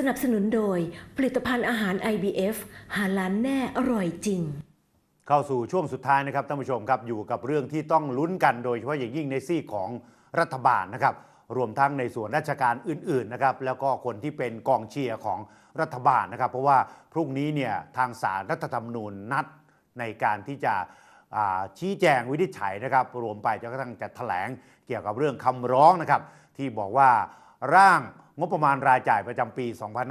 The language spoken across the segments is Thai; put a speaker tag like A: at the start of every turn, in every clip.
A: นับสนุนโดยผลิตภัณฑ์อาหาร IBF หาล้านแน่อร่อยจริง
B: เข้าสู่ช่วงสุดท้ายนะครับท่านผู้ชมครับอยู่กับเรื่องที่ต้องลุ้นกันโดยเฉพาะอย่างยิ่งในซีกของรัฐบาลนะครับรวมทั้งในส่วนราชการอื่นๆนะครับแล้วก็คนที่เป็นกองเชียร์ของรัฐบาลนะครับเพราะว่าพรุ่งนี้เนี่ยทางศาลรัฐธรรมนูญนัดในการที่จะชี้แจงวินิจฉัยนะครับรวมไปจนกระทั่งจะแถลงเกี่ยวกับเรื่องคำร้องนะครับที่บอกว่าร่างงบประมาณรายจ่ายประจำปี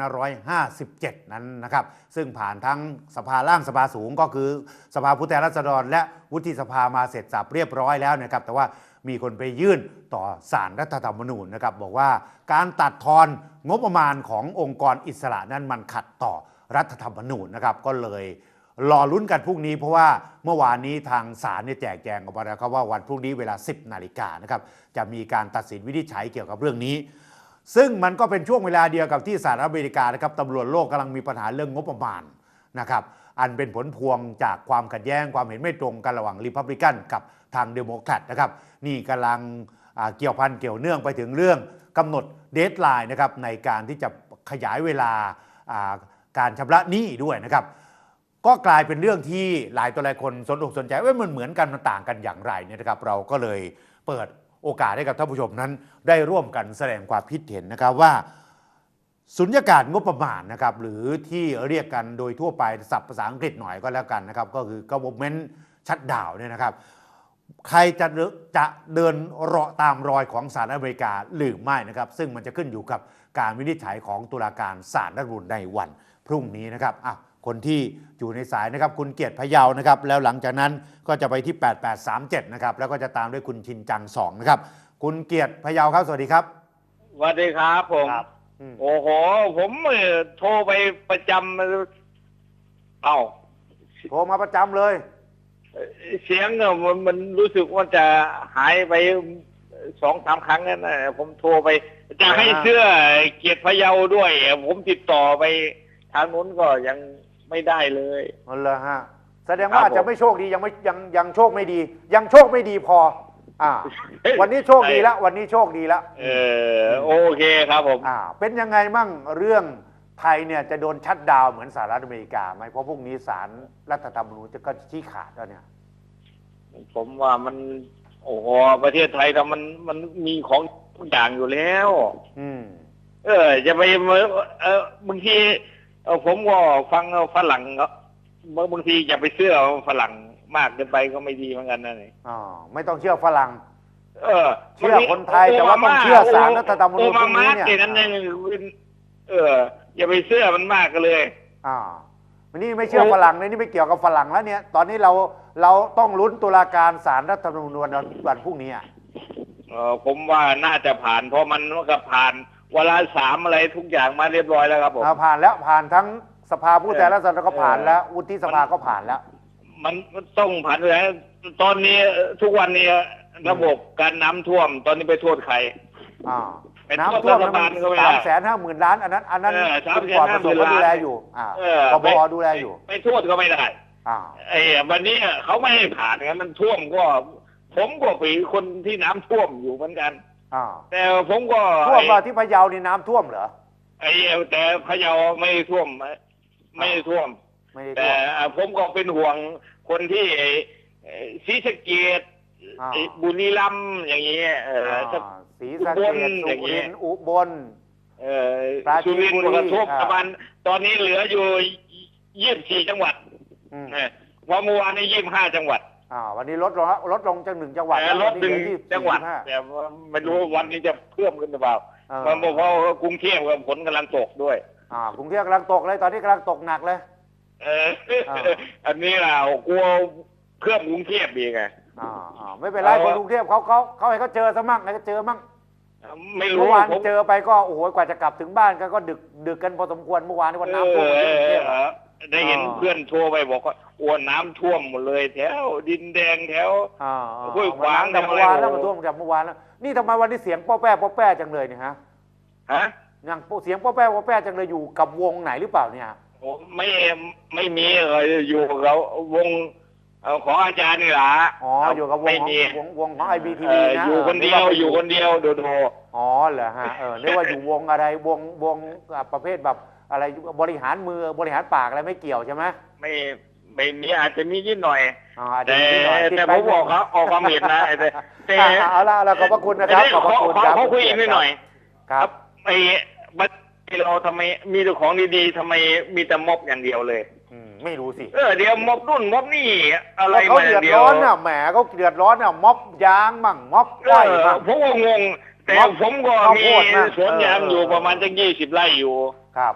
B: 2557 นั้นนะครับซึ่งผ่านทั้งสภาล่างสภาสูงก็คือสภาผู้แทนราษฎรและวุฒิสภามาเสร็จสับเรียบร้อยแล้วนะครับแต่ว่ามีคนไปยื่นต่อศาลรัฐธรรมนูญนะครับบอกว่าการตัดทอนงบประมาณขององค์กรอิสระนั้นมันขัดต่อรัฐธรรมนูญนะครับก็เลยรอลุ้นกันพรุ่งนี้เพราะว่าเมื่อวานนี้ทางศาลเนี่ยแจกแจงออกมาแล้วครับว่าวันพรุ่งนี้เวลา 10 นาฬิกานะครับจะมีการตัดสินวินิจฉัยเกี่ยวกับเรื่องนี้ซึ่งมันก็เป็นช่วงเวลาเดียวกับที่สหรัฐอเมริกานะครับตำรวจโลกกำลังมีปัญหาเรื่องงบประมาณนะครับอันเป็นผลพวงจากความขัดแย้งความเห็นไม่ตรงกันระหว่างริพับลิกันกับทางเดโมแครตนะครับนี่กำลังเกี่ยวพันเกี่ยวเนื่องไปถึงเรื่องกำหนดเดดไลน์นะครับในการที่จะขยายเวลาการชำระหนี้ด้วยนะครับก็กลายเป็นเรื่องที่หลายตัวหลายคนสนอกสนใจว่ามันเหมือนกันมันต่างกันอย่างไรเนี่ยนะครับเราก็เลยเปิดโอกาสให้กับท่านผู้ชมนั้นได้ร่วมกันแสดงความคิดเห็นนะครับว่าสุญญากาศงบประมาณนะครับหรือที่เรียกกันโดยทั่วไปศัพท์ภาษาอังกฤษหน่อยก็แล้วกันนะครับก็คือ government shutdown เนี่ยนะครับใครจะเดินตามรอยของศาลอเมริกาหรือไม่นะครับซึ่งมันจะขึ้นอยู่กับการวินิจฉัยของตุลาการศาลรัฐธรรมนูญในวันพรุ่งนี้นะครับคนที่อยู่ในสายนะครับคุณเกียรติพะเยานะครับแล้วหลังจากนั้นก็จะไปที่8837นะครับแล้วก็จะตามด้วยคุณชินจัง2นะครับคุณเกียรติพะเยาครับสวัสดีครับ
C: สวัสดีครับผมโอ้โหผมโทรไปประจำ
B: โทรมาประจำเลย
C: เสียงมันรู้สึกว่าจะหายไป2-3 ครั้งนั่นนะผมโทรไปจะให้เสื้อเกียรติพะเยาด้วยผมติดต่อไปทางนู้นก็ยังไม่ได้เลย
B: นั่นแหละฮะแสดงว่าจะไม่โชคดียังโชคไม่ดียังโชคไม่ดีพอวันนี้โชคดีแล้ววันนี้โชคดีแล้ว
C: โอเคครับผม
B: เป็นยังไงมั่งเรื่องไทยเนี่ยจะโดนชัตดาวน์เหมือนสหรัฐอเมริกาไหมเพราะพรุ่งนี้ศาลรัฐธรรมนูญจะก็ชี้ขาดแล้วเนี่ย
C: ผมว่ามันโอ้โหประเทศไทยเรามันมีของทุกอย่างอยู่แล้วจะไปบางทีผมก็ฟังฝรั่งบางทีอย่าไปเชื่อฝรั่งมากเกินไปก็ไม่ดีเหมือนกันนะนี่
B: ไม่ต้องเชื่อฝรั่งเชื่อคนไทยแต่ว่าต้องเชื่อศาลรัฐธรรมนูญพรุ่งนี้เนี่ย
C: อย่าไปเชื่อมันมากกันเลย
B: วันนี้ไม่เชื่อฝรั่งเลยนี่ไม่เกี่ยวกับฝรั่งแล้วเนี่ยตอนนี้เราต้องลุ้นตุลาการศาลรัฐธรรมนูญวันพรุ่งนี้
C: ผมว่าน่าจะผ่านเพราะมันก็ผ่านวาระ3อะไรทุกอย่างมาเรียบร้อยแล้วครับผม
B: ผ่านแล้วผ่านทั้งสภาผู้แทนราษฎรก็ผ่านแล้ววุฒิสภาก็ผ่านแล้ว
C: มันต้องผ่านแล้วตอนนี้ทุกวันนี้ระบบการน้ำท่วมตอนนี้ไปโทษใคร
B: น้ำท่วม350,000 ล้านอันนั้นคุณปอดประสบดูแลอยู่ปปดูแลอยู่
C: ไปโทษก็ไม่ได้วันนี้เขาไม่ให้ผ่านงั้นมันท่วมก็ผมก็เป็นคนที่น้ำท่วมอยู่เหมือนกันแต่ผมก็
B: ท่วมมาที่พะเยานี่น้ำท่วมเหรอ
C: แต่พะเยาไม่ท่วมแต่ผมก็เป็นห่วงคนที่ศรีสะเกษบุรีรัมย์อย่างเงี้ย
B: ศรีสะเกษสุรินทร์อุบล
C: สุรินทร์กระทบประมาณตอนนี้เหลืออยู่24 จังหวัดเพราะเมื่อวานนี้25 จังหวัด
B: วันนี้ลดลงจาก1 จังหวัด
C: ลด1 จังหวัดแต่ไม่รู้วันนี้จะเพิ่มขึ้นหรือเปล่าเพราะกรุงเทพฝนกำลังตกด้วย
B: กรุงเทพกำลังตกเลยตอนนี้กำลังตกหนักเลย
C: อันนี้เรากลัวเพิ่มกรุงเทพอีกไง
B: ไม่เป็นไรคนกรุงเทพเขาให้เขาเจอซะมั่งให้เขาเจอมั่ง
C: ไม่รู้
B: เมื่อวานเจอไปก็โอ้โหกว่าจะกลับถึงบ้านก็ดึกกันพอสมควรเมื่อวานนี้วันน้ำท่วมกรุงเทพ
C: ได้เห็นเพื่อนโทรไปบอกว่าน้ำท่วมหมดเลยแถวดินแดงแถวห้วยขวาง
B: แต่เมื่อวานแล้วมันท่วมจากเมื่อวานแล้วนี่ทำไมวันนี้เสียงป้อแป้จังเลยเนี่ยฮะอย่างเสียงป้อแป้จังเลยอยู่กับวงไหนหรือเปล่าเนี่ย
C: ไม่มีอะไรอยู่กับวของอาจารย์นี่ล่ะ
B: อ๋ออยู่กับว
C: ไม่
B: ง
C: มี
B: ของ IBTV นะ
C: อยู่คนเดียวอยู่คนเดียวโดด
B: อ๋อเหรอฮะนึกว่าอยู่วงอะไรวงประเภทแบบอะไรบริหารมือบริหารปากอะไรไม่เกี่ยวใช่ไหม
C: ไม่มีอาจจะมีนิดหน่อย
B: อ๋ออาจจะ
C: แต่
B: มีนิดหน่อย
C: แต่ผมบอกเขาออกความเห็นนะแต่
B: เอาละขอบพระคุณนะครับขอบพระคุณครับ
C: เขาคุยอีกนิดหน่อย
B: ครับ
C: ไอ้บัตรเราทำไมมีแต่ของดีๆทำไมมีแต่ม็อบอย่างเดียวเลย
B: ไม่รู้สิ
C: เดี๋ยวม็อบนู่นม็อบนี่อะไร
B: เขา
C: มา
B: เดือด
C: เดียว
B: ร้อนน่ะแหมเขาเดือดร้อนน่ะม็อบยางมั่งม็อบอ้อยมั่ง
C: ผมก็งงแต่
B: ม็อบ
C: ผมก็
B: ข้าว
C: มี
B: โพดมั่ง
C: สวนยางอยู่ประมาณจัง20 ไร่อยู่
B: ครับ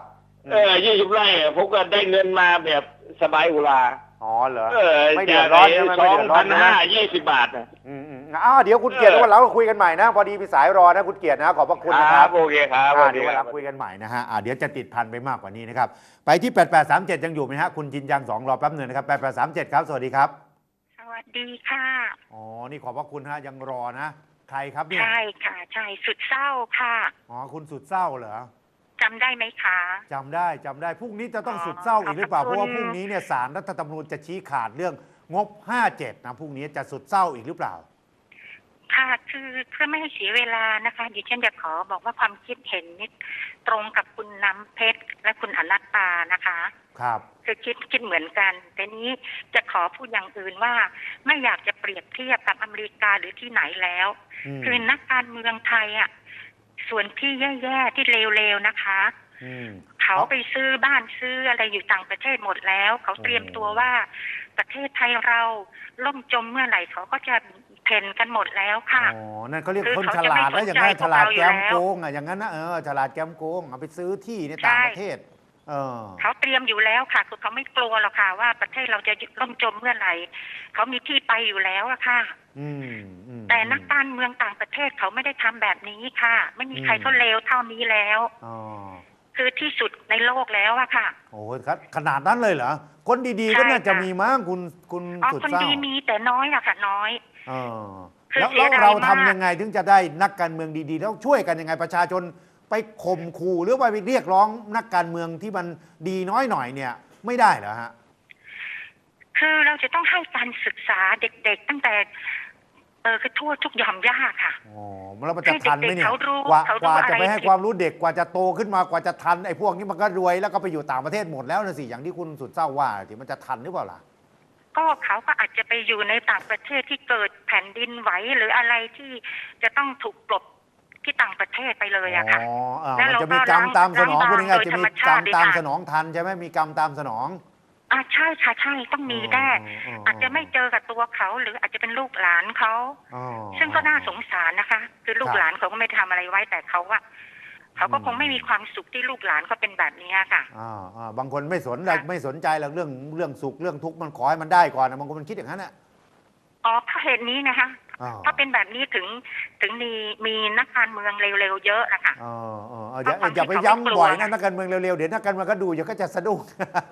C: 20 ไร่ผมก็ได้เงินมาแบบสบายอุรา
B: อ๋อเหรอ ไม่
C: ไม่
B: เดือดร้อนใช่ไหมไม่เดือดร้อนใช่ไหม
C: 2,520 บาทนะ
B: เดี๋ยวคุณเกียรติวันหลังเราคุยกันใหม่นะ พอดีพี่สายรอนะคุณเกียรตินะขอบพระคุณนะครับ
C: โอเคครับ
B: เดี๋ยววันหลังคุยกันใหม่นะฮะเดี๋ยวจะติดพันไปมากกว่านี้นะครับไปที่8837ยังอยู่ไหมฮะคุณจินยัง2รอแป๊บหนึ่งนะครับ8837ครับสวัสดีครับ
D: สวัสดีค่ะ
B: อ๋อนี่ขอบพระคุณฮะยังรอนะใครครับเนี่ย
D: ใช่ค่ะใช่สุดเศร้าค่ะ
B: อ๋อคุณสุดเศร้าเหรอ
D: จำได้ไหมคะ
B: จำได้พรุ่งนี้จะต้องสุดเศร้าอีกหรือเปล่า
D: ขอบคุณ
B: เพราะว่าพรุ่งนี้เนี่ยศาลรัฐธรรมนูญจะชี้ขาดเรื่องงบ57นะพรุ่งนี้จะสุดเศร้าอีกหรือเปล่า
D: ค่ะคือเพื่อไม่ให้เสียเวลานะคะดิฉันจะขอบอกว่าความคิดเห็นนิดตรงกับคุณน้ำเพชรและคุณอนัตตานะคะ
B: ครับ
D: คือคิดเหมือนกันแต่นี้จะขอพูดอย่างอื่นว่าไม่อยากจะเปรียบเทียบกับอเมริกาหรือที่ไหนแล้ว คือนักการเมืองไทยอ่ะส่วนที่แย่ๆที่เลวๆนะคะเขาไปซื้อบ้านซื้ออะไรอยู่ต่างประเทศหมดแล้ว เขาเตรียมตัวว่าประเทศไทยเราล่มจมเมื่อไหร่เขาก็จะเพ่นกันหมดแล้วค่ะ
B: อ๋อนั่นเขาเรียก
D: คือ
B: คนฉ
D: เขาจะ
B: ลา
D: ไม่
B: ด
D: สน
B: นะอย่างนั้น
D: ใจ
B: ฉลาด
D: พวกเราอยู่
B: แกม
D: แล้ว
B: โกงอย่างนั้นนะฉลาดแกมโกงเอาไปซื้อที่ในต่างประเทศ
D: เขาเตรียมอยู่แล้วค่ะคือเขาไม่กลัวหรอกค่ะว่าประเทศเราจะล่มจมเมื่อไหร่เขามีที่ไปอยู่แล้วอะค่ะแต่นักการเมืองต่างประเทศเขาไม่ได้ทำแบบนี้ค่ะไม่มีใครเขาเลวเท่านี้แล้วคือที่สุดในโลกแล้วอะค่ะ
B: โอ้ครับขนาดนั้นเลยเหรอคนดีๆก็น่าจะมีมั้งคุณสุด
D: คน
B: เศร้า
D: ดีมีแต่น้อยอะค่ะน้อย
B: แล้วเราทำยังไงถึงจะได้นักการเมืองดีๆแล้วช่วยกันยังไงประชาชนไปข่มขู่หรือว่าไปเรียกร้องนักการเมืองที่มันดีน้อยหน่อยเนี่ยไม่ได้เหรอฮะ
D: คือเราจะต้องให้การศึกษาเด็กๆตั้งแต่คือทั่วทุกหย่อมย่าค่ะ
B: อ๋อแล้วมันจะทันไหมเนี่ย
D: ก
B: ว่าจะไปให้ความรู้เด็กกว่าจะโตขึ้นมากว่าจะทันไอ้พวกนี้มันก็รวยแล้วก็ไปอยู่ต่างประเทศหมดแล้วนะสิอย่างที่คุณสุดเศร้าว่าที่มันจะทันหรือเปล่าล่ะ
D: ก็เขาก็อาจจะไปอยู่ในต่างประเทศที่เกิดแผ่นดินไหวหรืออะไรที่จะต้องถูกกลบที่ต่างประเทศไปเลยอะค่ะ
B: มันจะมีกรรมตามสนองพูดง่ายๆจะมีกรรมตามสนองทันใช่ไหมมีกรรมตามสนอง
D: ใช่ค่ะใช่ต้องมีแน่อาจจะไม่เจอกับตัวเขาหรืออาจจะเป็นลูกหลานเขาซึ่งก็น่าสงสารนะคะคือลูกหลานเขาก็ไม่ทำอะไรไว้แต่เขาก็คงไม่มีความสุขที่ลูกหลานเขาเป็นแบบนี้ค่ะ
B: บางคนไม่สนใจหรอกเรื่องสุขเรื่องทุกข์มันขอให้มันได้ก่อนนะบางคนมันคิดอย่างนั้นแหละ
D: เพราะเหตุนี้นะคะถ้าเป็นแบบนี้ถึงมีนักการเมืองเร็วๆเยอะนะคะ
B: อย่าไปย้ำบ่อยนะนักการเมืองเร็วๆเดี๋ยวนักการเมืองก็ดูเดี๋ยวก็จะสะดุ้ง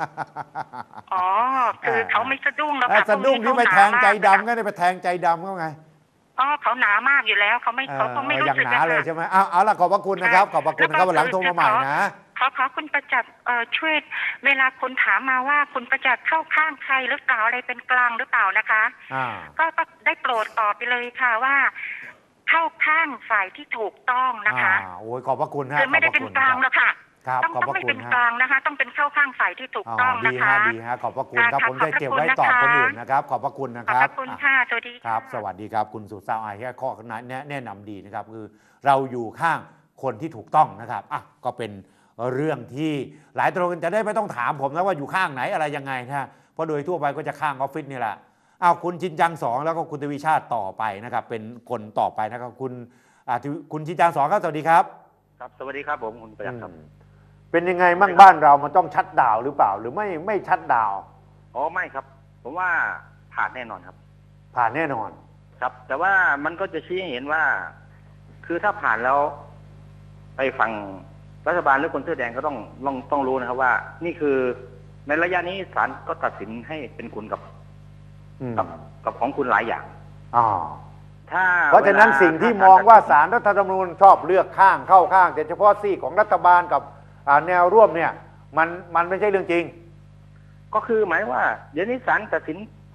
D: คือเขาไม่สะดุ้งแล้วค่ะ
B: สะดุ้งที่ไปแทงใจดำก็ได้ไปแทงใจดำก็ไง
D: เขาหนามากอยู่แล้วเขาคงไม่รู้สึก
B: อย่างหนาเลยใช่ไหมเอาล่ะขอบพระคุณนะครับขอบพระคุณนะครับวันหลังโทรมาใหม่นะ
D: ขอคุณประจักษ์ช่วยเวลาคนถามมาว่าคุณประจักษ์เข้าข้างใครหรือเปล่าอะไรเป็นกลางหรือเปล่านะคะก็ได้โปรดตอบไปเลยค่ะว่าเข้าข้างฝ่ายที่ถูกต้องนะคะ
B: โอ้ยขอบพระคุณฮะ
D: คือไม่ได้เป็นกลางแล้วค่ะต้องไม่เป็นกลางนะคะต้องเป็นเข้าข้างฝ่ายที่ถูกต้องนะคะ
B: ดีฮะขอบพระคุณครับผมจะเก็บไว้ตอบคนอื่นนะครับขอบพระคุณนะครับ
D: ขอบคุณค่ะสวัสดี
B: ครับสวัสดีครับคุณสุดเศร้าแค่ข้อแนะนำดีนะครับคือเราอยู่ข้างคนที่ถูกต้องนะครับก็เป็นเรื่องที่หลายตัวกันจะได้ไม่ต้องถามผมนะว่าอยู่ข้างไหนอะไรยังไงนะเพราะโดยทั่วไปก็จะข้างออฟฟิศนี่แหละคุณชินจัง2แล้วก็คุณทวีชาติต่อไปนะครับเป็นคนต่อไปนะครับคุณชินจัง2ครับสวัสดีครับ
C: ครับสวัสดีครับผมคุณประจักษ์ครับ
B: เป็นยังไงมั่งบ้านเรามันต้องชัดดาวหรือเปล่าหรือไม่ชัดดาว
C: ไม่ครับผมว่าผ่านแน่นอนครับ
B: ผ่านแน่นอน
C: ครับแต่ว่ามันก็จะชี้ให้เห็นว่าคือถ้าผ่านแล้วไปฟังรัฐบาลหรือคนเสื้อแดงก็ต้องรู้นะครับว่านี่คือในระยะนี้ศาลก็ตัดสินให้เป็นคุณกับของคุณหลายอย่าง
B: เพราะฉะนั้นสิ่งที่มองว่าศาลรัฐธรรมนูญชอบเลือกข้างเข้าข้างแต่เฉพาะซีกของรัฐบาลกับแนวร่วมเนี่ยมันไม่ใช่เรื่องจริง
C: ก็คือหมายว่าเดี๋ยวนี้ศาลตัดสินผ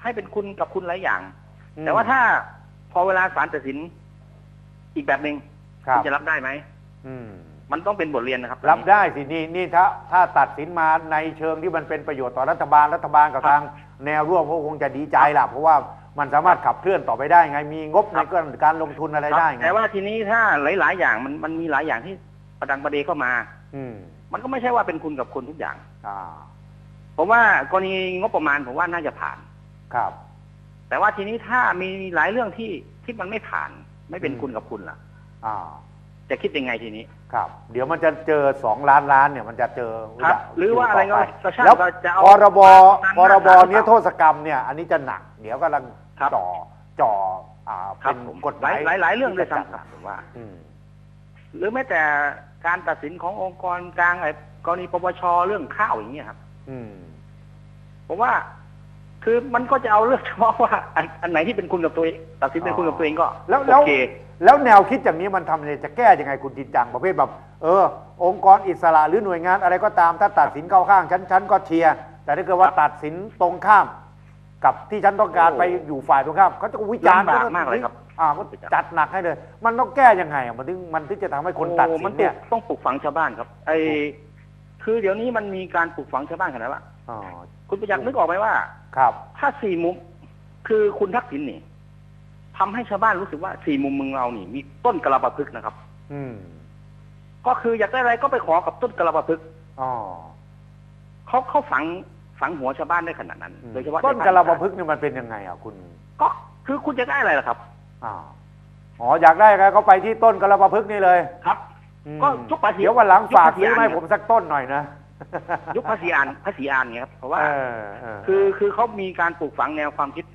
E: ให้เป็นคุณกับคุณหลายอย่าง แต่ว่าถ้าพอเวลาศาลตัดสินอีกแบบหนึ่งคุณจะรับได้ไหมมันต้องเป็นบทเรียนนะครับ
B: รับได้สินี่ถ้าตัดสินมาในเชิงที่มันเป็นประโยชน์ต่อรัฐบาลกับทางแนวร่วมก็คงจะดีใจล่ะเพราะว่ามันสามารถขับเคลื่อนต่อไปได้ไงมีงบในการลงทุนอะไรได้ไง
E: แต่ว่าทีนี้ถ้าหลายๆอย่างมันมีหลายอย่างที่ประดังประเดเข้ามามันก็ไม่ใช่ว่าเป็นคุณกับคุณทุกอย่างผมว่ากรณีงบประมาณผมว่าน่าจะผ่าน
B: ครับ
E: แต่ว่าทีนี้ถ้ามีหลายเรื่องที่มันไม่ผ่านไม่เป็นคุณกับคุณล่ะจะคิดยังไงทีนี้
B: ครับเดี๋ยวมันจะเจอ2 ล้านเนี่ยมันจะเจอ
E: ครับหรือว่าอะไรก็ช่าง
B: แล้วพรบนี้โทษกรรมเนี่ยอันนี้จะหนักเดี๋ยวกำลังจ่อเป็นกฎหมาย
E: หลายเรื่องด้วยซ้ำครับผมว่าหรือแม้แต่การตัดสินขององค์กรกลางไอ้กรณีปปชเรื่องข้าวอย่างเงี้ยครับผมว่าคือมันก็จะเอาเรื่องเฉพาะว่าอันไหนที่เป็นคุณกับตัวเองตัดสินเป็นคุณกับตัวเองก็
B: โอเคแล้วแนวคิดอย่างนี้มันทำเนี่ยจะแก้ยังไงคุณจินจังประเภทแบบองค์กรอิสระหรือหน่วยงานอะไรก็ตามถ้าตัดสินเข้าข้างฉันก็เชียร์แต่ถ้าเกิดว่าตัดสินตรงข้ามกับที่ฉันต้องการไปอยู่ฝ่ายตรงข้ามเขาจะวิจารณ์
E: มากเลยครับ
B: ก็จัดหนักให้เลยมันต้องแก้ยังไงมันถึงจะทำให้คนตัดสินเนี่ย
E: ต้องปลูกฝังชาวบ้านครับคือเดี๋ยวนี้มันมีการปลูกฝังชาวบ้านขนาดว่าคุณประยักษ์นึกออกไหมว่า
B: ครับ
E: ถ้า4 มุมคือคุณทักษิณนี่ทำให้ชาวบ้านรู้สึกว่า4 มุมเมืองเรานี่มีต้นกระบะพึกนะครับก็คืออยากได้อะไรก็ไปขอกับต้นกระบะพึกเขาฝังหัวชาวบ้านได้ขนาดนั้นโดยเฉพาะ
B: ต้นกระบะพึกนี่มันเป็นยังไงคุณ
E: ก็คือคุณจะได้อะไรล่ะครับ
B: อยากได้อะไรก็ไปที่ต้นกระบะพึกนี่เลย
E: ครับก็ยุคภาษี
B: เดี๋ยววันหลังฝากซื้อให้ผมสักต้นหน่อยนะ
E: ยุคภาษีอ่านไงครับเพราะว่าคือเขามีการปลูกฝังแนวความคิด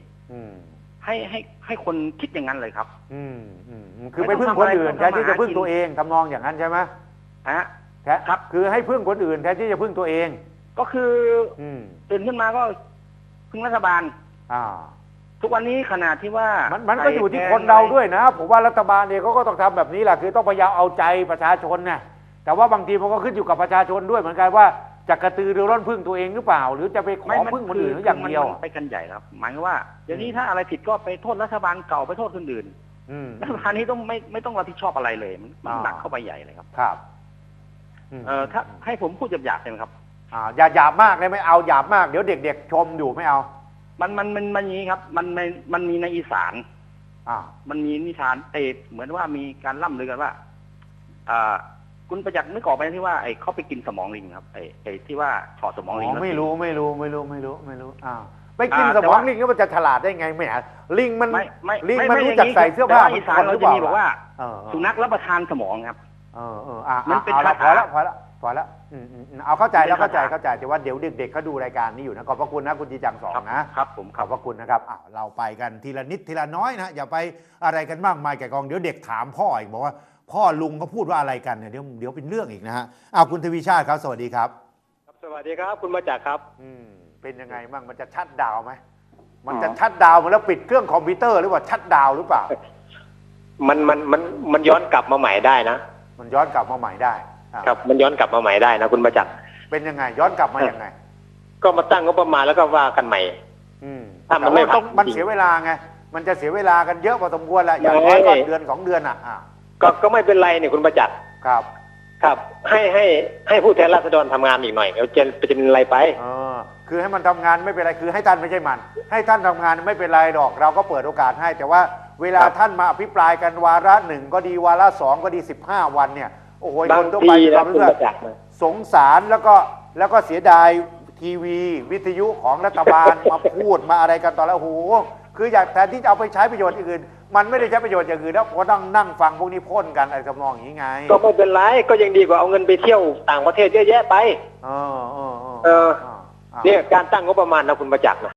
E: ให้คนคิดอย่างนั้นเลยครับ
B: คือไปพึ่งคนอื่นแทนที่จะพึ่งตัวเองทำนองอย่างนั้นใช่ไหม
E: ครับ
B: คือให้พึ่งคนอื่นแทนที่จะพึ่งตัวเอง
E: ก็คือตื่นขึ้นมาก็พึ่งรัฐบาลทุกวันนี้ขนาดที่ว่า
B: มันก็อยู่ที่คนเราด้วยนะผมว่ารัฐบาลเนี่ยเขาก็ต้องทำแบบนี้แหละคือต้องพยายามเอาใจประชาชนเนี่ยแต่ว่าบางทีมันก็ขึ้นอยู่กับประชาชนด้วยเหมือนกันว่าจะกระตือรือร้นพึ่งตัวเองหรือเปล่าหรือจะไปขอพึ่งคนอื่นอย่างเดียว
E: ไปกันใหญ่ครับหมายว่าเดี๋ยวนี้ถ้าอะไรผิดก็ไปโทษรัฐบาลเก่าไปโทษคนอื่นรัฐบาลนี้ต้องไม่ต้องรับผิดชอบอะไรเลยมันหนักเข้าไปใหญ่เลยครับ
B: ครับ
E: ถ้าให้ผมพูดหยาบๆเลยครับ
B: อย่าหยาบมากเลยไม่เอาหยาบมากเดี๋ยวเด็กๆชมอยู่ไม่เอา
E: มันอย่างนี้ครับมันมีในอีสานมันมีนิทานเหมือนว่ามีการล่ำลือกันว่าคุณประจักษ์นึกออกไหมที่ว่าเขาไปกินสมองลิงครับที่ว่าถอดสมองลิง
B: ไม่รู้ไปกินสมองลิงแล้วมันจะฉลาดได้ไงไม่ลิงมันรู้จักใส่เสื้อผ้า
E: อีสานเราจะมีบอกว่าสุนัขรับประทานสมองครับ
B: มันเป็นพอแล้วเอาเข้าใจแล้วเข้าใจแต่ว่าเดี๋ยวเด็กๆเขาดูรายการนี้อยู่นะขอบพระคุณนะคุณจีจัง2
E: นะครับผม
B: ขอบพระคุณนะครับเราไปกันทีละนิดทีละน้อยนะอย่าไปอะไรกันมากมายแก่กองเดี๋ยวเด็กถามพ่ออีกบอกว่าพ่อลุงเขาพูดว่าอะไรกันเนี่ยเดี๋ยวเป็นเรื่องอีกนะฮะคุณทวีชาติครับสวัสดีครับ
F: สวัสดีครับคุณมาจากครับ
B: เป็นยังไงบ้างมันจะชัดดาวไหมมันจะชัดดาวแล้วปิดเครื่องคอมพิวเตอร์หรือว่าชัดดาวหรือเปล่า
F: มันย้อนกลับมาใหม่ได้นะ
B: มันย้อนกลับมาใหม่ได้
F: ครับมันย้อนกลับมาใหม่ได้นะคุณมาจาก
B: เป็นยังไงย้อนกลับมายังไง
F: ก็มาตั้งงบประมาณแล้วก็ว่ากันใหม่
B: ถ้ามันไม่ต้องมันเสียเวลาไงมันจะเสียเวลากันเยอะพอสมควรแหละอย่างน้อยก็เดือน2 เดือน
F: ก็ไม่เป็นไรเนี่ยคุณประจักษ์ครับให้ผู้แทนราษฎรทำงานอีกหน่อยเดี๋ยวจะเป็นอะไรไป
B: คือให้มันทำงานไม่เป็นไรคือให้ท่านไม่ใช่มันให้ท่านทำงานไม่เป็นไรหรอกเราก็เปิดโอกาสให้แต่ว่าเวลาท่านมาอภิปรายกันวาระ1ก็ดีวาระ2ก็ดี15 วันเนี่ยโอ้โหคนทั่วไปความรู้สึกสงสารแล้วก็เสียดายทีวีวิทยุของรัฐบาลมาพูดมาอะไรกันตอนแล้วโอ้โหคืออยากแทนที่จะเอาไปใช้ประโยชน์อื่นมันไม่ได้ใช้ประโยชน์อย่างอื่นแล้วก็ต้องนั่งฟังพวกนี้พ่นกันอะไรทำนองอย่างนี้ไง
F: ก็ไม่เป็นไรก็ยังดีกว่าเอาเงินไปเที่ยวต่างประเทศเยอะแยะไปเนี่ยการตั้งงบประมาณนะคุณประจักษ์นะ